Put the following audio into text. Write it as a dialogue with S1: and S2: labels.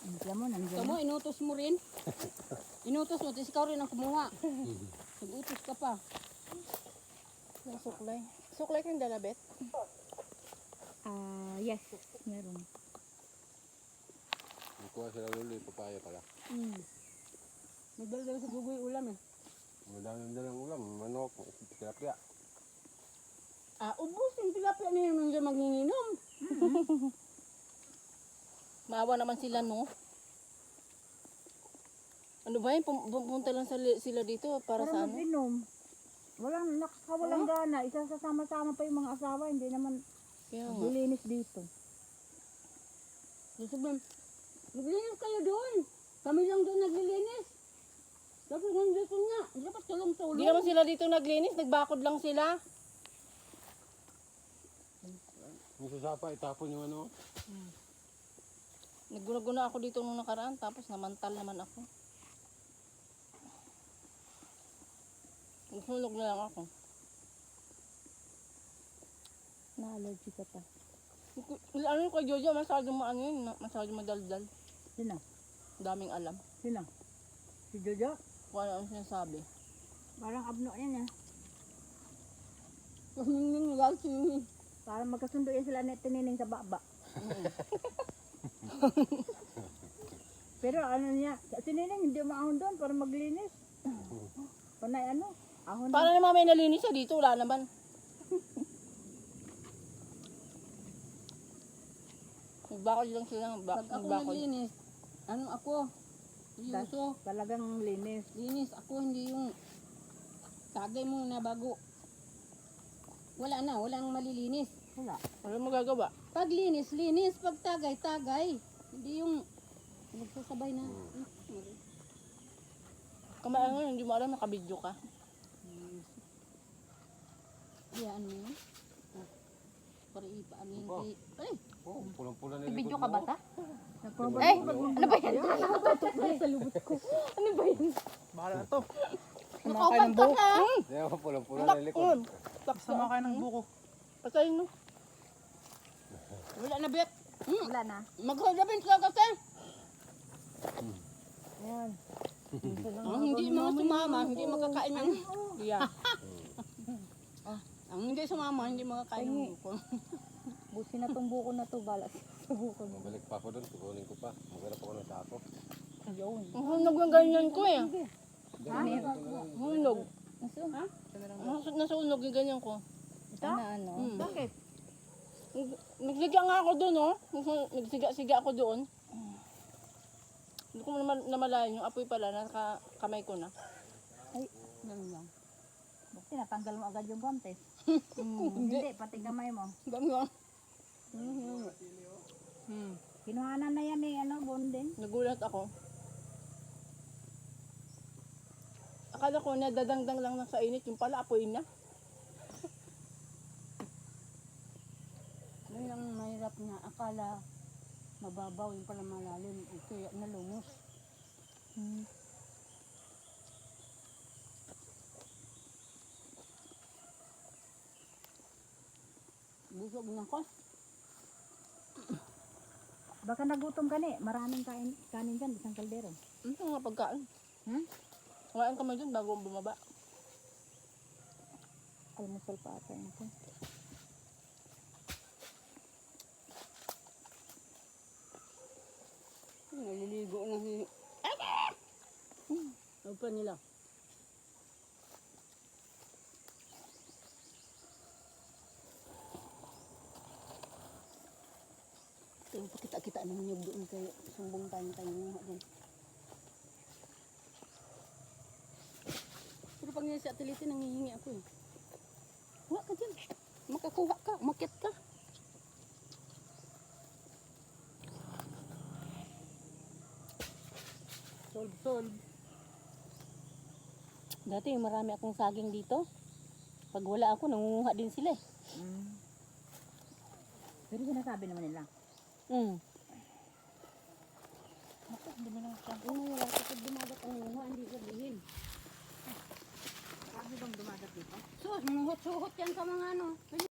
S1: Alam mo, nandiyan
S2: Kamu, inutos mo rin. Inutos mo, tapos ikaw rin ang kumuha. Nag-utos ka pa.
S3: Ng suklay. Suklay kang dalabet?
S1: Yes, meron.
S4: Kuha sila luli, papaya pala.
S2: Nagdala sa gugoy ulam eh.
S4: Madami dalang ulam, manok, tilapia.
S2: Ubus yung tilapia na yun yung magninginom.
S3: Maawa naman sila, no? Ano ba yun? Pumunta lang sila dito para sa ano?
S1: mag-inom. Walang gana. Isasama-sama pa yung mga asawa. Hindi naman
S3: Kaya nga.
S1: dilinis dito.
S2: Gusto ba, naglinis kayo doon. Kami lang doon naglilinis. Dapat nandito nga. Dapat tulong-tulong.
S3: Hindi naman sila dito naglinis. Nagbakod lang sila.
S4: Yung sasapa, itapon yung ano.
S3: Nagguna-guna ako dito nung nakaraan. Tapos namantal naman ako. Nagsulog na lang ako.
S1: Na-allergy ka pa.
S3: Ano yung kay Jojo? Masyadong maano yun. Masyadong madaldal.
S1: Sino?
S3: Daming alam.
S1: Sino? Si Jojo?
S3: Kung ano ang sinasabi.
S1: Parang abno yan eh.
S2: Kasi nung nag-alsing.
S1: Parang magkasundo yan sila na tinining sa baba. Pero ano niya, si Nining hindi maahon doon para maglinis. Panay ano? Ahon
S3: Para naman may nalinis siya dito. Wala naman. Nagbakod lang sila.
S2: Pag ako
S3: Nagbakod.
S2: naglinis, ako? Seryoso.
S1: talagang linis.
S2: Linis ako, hindi yung tagay mo na bago. Wala na, walang malilinis.
S1: Wala.
S3: Wala mo gagawa.
S2: Pag linis, linis. Pag tagay, tagay. Hindi yung nagsasabay na.
S3: Kamaan mo, hindi mo alam, nakabidyo ka.
S2: Iyaan mo yun. Para ipaan yun kay... Ay!
S4: Oh, pulang-pula na
S3: Video ka ba ta?
S1: Eh,
S3: Ano ba yan?
S2: Sa lubot ko.
S3: Ano ba yan?
S5: Bahala na to.
S3: Nakaupan ka ka!
S4: Hindi ako pulang-pula na likod.
S5: Sama kayo ng buko.
S3: Patayin mo.
S2: Wala na, Bet.
S1: Wala na.
S2: Magkakabin ka kasi.
S1: Ayan.
S2: Ang hindi mga sumama, hindi makakain ng...
S3: Yeah.
S2: Ang hindi sumama, hindi makakain ng buko.
S1: Busin na tong buko na to, balas sa buko niya.
S4: Mabalik pa ako doon, kukunin ko pa. Maghanap ako ng sako.
S1: Ayun.
S3: Ang hunog yung ganyan ko eh.
S1: Ha?
S3: Hunog.
S1: Ha?
S3: Nasunog yung ganyan ko.
S1: Ito na ano?
S2: Bakit?
S3: Nagsiga nga ako doon, oh. Nagsiga-siga ako doon. Hindi ko namalayan yung apoy pala, nasa kamay ko na.
S2: Ganun lang.
S1: Bakit natanggal mo agad yung guantes? Hindi, pati kamay mo.
S2: Ganun lang.
S1: Kinuhanan na yan eh, ano, bonding.
S3: Nagulat ako. Akala ko nadadangdang lang sa init, yung pala apoy na.
S2: Yun ang mahirap na akala mababaw yung pala malalim. Kaya nalumos. Busog na ko.
S1: Baka nagutom ka ni, maraming kanin dyan, isang kaldero.
S3: Ano nga pagkain? Kumain kami dun bago bumaba.
S1: Almusal pa ata yun ko.
S2: Naliligo na si... Ano pa nila? Pero pakita-kita ng niyog doon kay sumbong tayo nga doon. Pero pag nila sa atilite, nangihingi ako eh. Huwag ka dyan. Makakuha ka, umakyat ka. Solve.
S3: Dati marami akong saging dito. Pag wala ako, nangunguha din sila eh.
S1: Pero sinasabi naman nila.
S2: Bakit dumi lang siya? Wala kapag dumagat ang lunga, hindi sabihin.
S1: Sabi bang dumagat dito?
S2: Suhot yan sa mga ano.